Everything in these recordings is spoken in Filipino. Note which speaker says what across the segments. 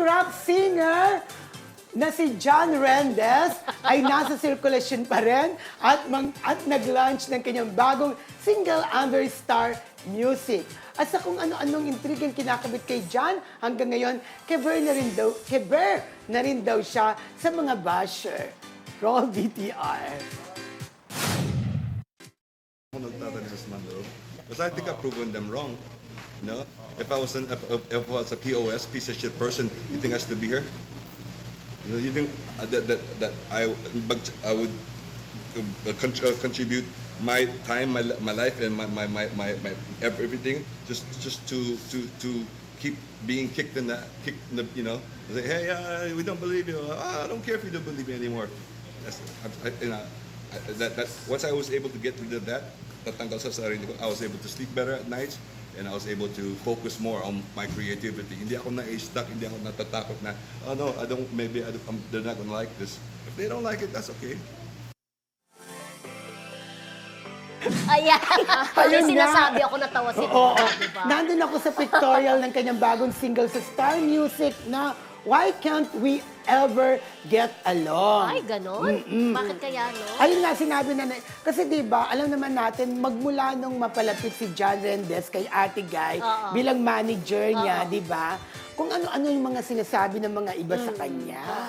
Speaker 1: rap singer na si John Rendez ay nasa sirkulasyon pa rin at nag-launch ng kanyang bagong single under Star Music. At sa kung ano-anong intrigang kinakabit kay John, hanggang ngayon, keber na rin daw siya sa mga basher. Roll VTR.
Speaker 2: Because I think I've proven them wrong. You know, if I was a POS piece of shit person, you think I should be here? You know, you think that I would contribute my time, my life, and my everything just to keep being kicked in the you know, say, hey, we don't believe you. I don't care if you don't believe me anymore. Once I was able to get rid of that, tatanggal sa sarili ko, I was able to sleep better at nights, and I was able to focus more on my creativity. Hindi ako na-stuck, hindi ako natatakot na, oh no, they're not gonna like this. If they don't like it, that's okay.
Speaker 3: Ayan.
Speaker 1: Ayun
Speaker 3: Yung
Speaker 1: nga.
Speaker 3: sinasabi ako, natawa si
Speaker 1: Oo.
Speaker 3: diba?
Speaker 1: Nandun ako sa pictorial ng kanyang bagong single sa Star Music na Why Can't We Ever Get Along?
Speaker 3: Ay, ganon? Bakit kaya, no?
Speaker 1: Ayun nga, sinabi na, kasi di ba alam naman natin, magmula nung mapalapit si John Rendez kay Ate Guy bilang manager niya, di ba? Kung ano-ano yung mga sinasabi ng mga iba sa kanya.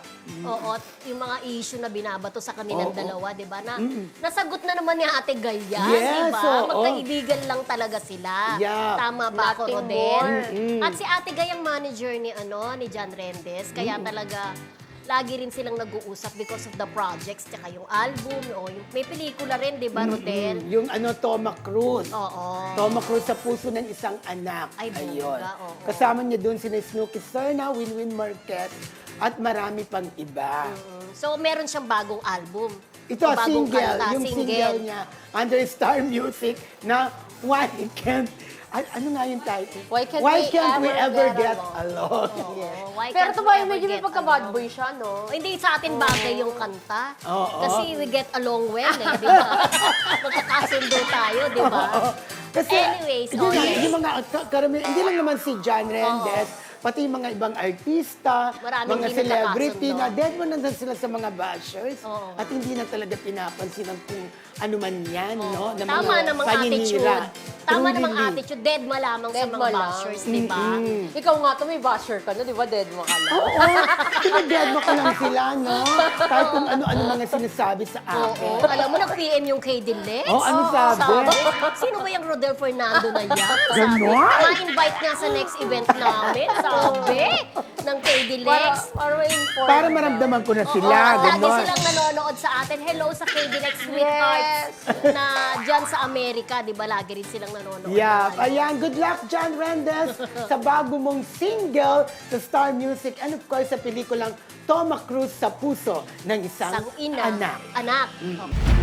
Speaker 3: Oo, yung mga issue na binabato sa kanilang dalawa, di ba? Nasagot na naman ni Ate Gaya,
Speaker 1: Yes,
Speaker 3: di ba?
Speaker 1: oo.
Speaker 3: Magkaibigan lang talaga sila.
Speaker 1: Yeah.
Speaker 3: Tama ba ako,
Speaker 4: Nothing
Speaker 3: Rodel?
Speaker 4: more.
Speaker 3: At si Ate Gaya ang manager ni John Rendez, kaya talaga lagi rin silang nag-uusap because of the projects, tsaka yung album, yung may pelikula rin, di ba, Rodel?
Speaker 1: Yung Toma Cruz.
Speaker 3: Oo.
Speaker 1: Toma Cruz sa puso ng isang anak.
Speaker 3: Ay, bongga,
Speaker 1: Ayun.
Speaker 3: oo.
Speaker 1: Kasama niya doon sina Snooki Serna, Winwin Marquez, at marami pang iba.
Speaker 3: So, meron siyang bagong album.
Speaker 1: Ito,
Speaker 3: O bagong
Speaker 1: single.
Speaker 3: kanta,
Speaker 1: Yung single niya, under Star Music, na Why Can't... Ano nga yung title?
Speaker 4: Why Can't
Speaker 1: We
Speaker 4: We
Speaker 1: Ever
Speaker 4: Ever
Speaker 1: Get
Speaker 4: Get
Speaker 1: Along?
Speaker 3: Oo, why
Speaker 4: Pero
Speaker 3: can't
Speaker 4: ito
Speaker 3: we
Speaker 4: ba,
Speaker 3: ever
Speaker 4: medyo may
Speaker 3: get
Speaker 4: pagka-bad
Speaker 3: along?
Speaker 4: boy siya, no?
Speaker 3: Hindi sa atin bagay yung kanta.
Speaker 1: Oo.
Speaker 3: Kasi we get along well, eh, di ba? Magkakasundo tayo, di ba?
Speaker 1: Kasi,
Speaker 3: Anyways,
Speaker 1: yun nga,
Speaker 3: yes.
Speaker 1: yung mga karamihan, hindi lang naman si John Rendez, pati yung mga ibang artista,
Speaker 3: Maraming
Speaker 1: mga
Speaker 3: hindi
Speaker 1: celebrity na
Speaker 3: nagkakasundo.
Speaker 1: dead mo na sila sa mga bashers
Speaker 3: Oo.
Speaker 1: at hindi na talaga pinapansin ang kung ano man yan, no? Na
Speaker 3: Tama
Speaker 1: mga
Speaker 3: namang
Speaker 1: paninira.
Speaker 3: attitude. Tama namang
Speaker 1: Truly.
Speaker 3: attitude. Dead ma lamang sa
Speaker 4: Dead
Speaker 3: mga
Speaker 4: ma lang.
Speaker 3: bashers, di ba?
Speaker 4: Ikaw nga to, may basher ka, no? Di ba, dead mo ka lang?
Speaker 1: Oo, pinag-dead mo ko lang sila, no? Kahit kung ano-ano mga sinasabi sa
Speaker 3: Oo.
Speaker 1: akin.
Speaker 3: Alam mo, nag-PM yung kay Dilex.
Speaker 1: Oh, ano sabi?
Speaker 3: Sino ba yung Rodel Fernando na yan? Sabi,
Speaker 1: Ganon?
Speaker 3: ma-invite nga sa next event namin. Sabi ng kay Dilex.
Speaker 4: Para ma-inform.
Speaker 1: Para maramdaman ko na sila,
Speaker 3: Oo, lagi
Speaker 1: gano'n.
Speaker 3: silang nanonood sa atin. Hello sa KDLX Sweethearts na dyan sa Amerika, di ba? Lagi rin silang nanonood.
Speaker 1: Yeah, ayan. Good luck, John Rendez, sa bago mong single sa Star Music and of course sa pelikulang Toma Cruz sa puso ng isang
Speaker 3: Sang ina,
Speaker 1: anak.
Speaker 3: anak.